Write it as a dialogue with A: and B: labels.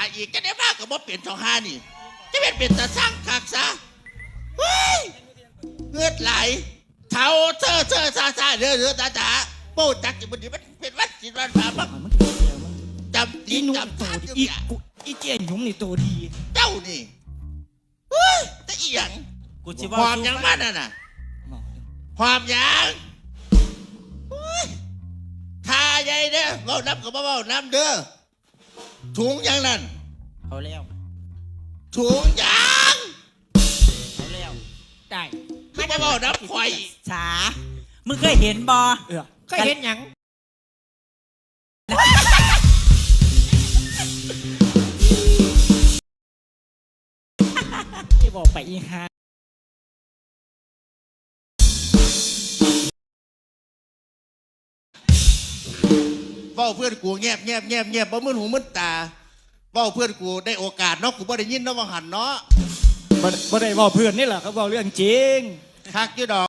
A: อีกจะได้มากกับว่าเปลี่ยนช่องห้านี่จะเป็นตาสร้างคักซะเฮ้ยเงือดไหลเท้าเธอซาเรือตาจ๋าโป้จักจะมันเป็นวัดจิตวันพาบักจำตีจำทาน
B: อีเจียนหยุ่มนี่ตัวดี
A: เจ้านี่เฮ้ยแต่อีหยังความยังมันน่ะความยังทาใหญ่เด้อเบาน้ำกับเบาน้ำเด้อถุงยังนั่น
B: เอาแล้ว
A: ถุงยัง
B: เอาแล้วได้
A: คือเบาน้ำควาย
B: สามึงเคยเห็นบอ
C: เคยเห็นยัง
B: ที่บอกไปอีฮา
A: เบ้าเพื่อนกูเงียบบ่มึนหูมึนตาเบ้าเพื่อนกูได้โอกาสเนาะกูบ่ได้ยินเนาะว่าหันเนาะ
B: บ่ได้บอกเพื่อนนี่แหละเขาบอกเรื่องจริง
A: คักอยู่ดอก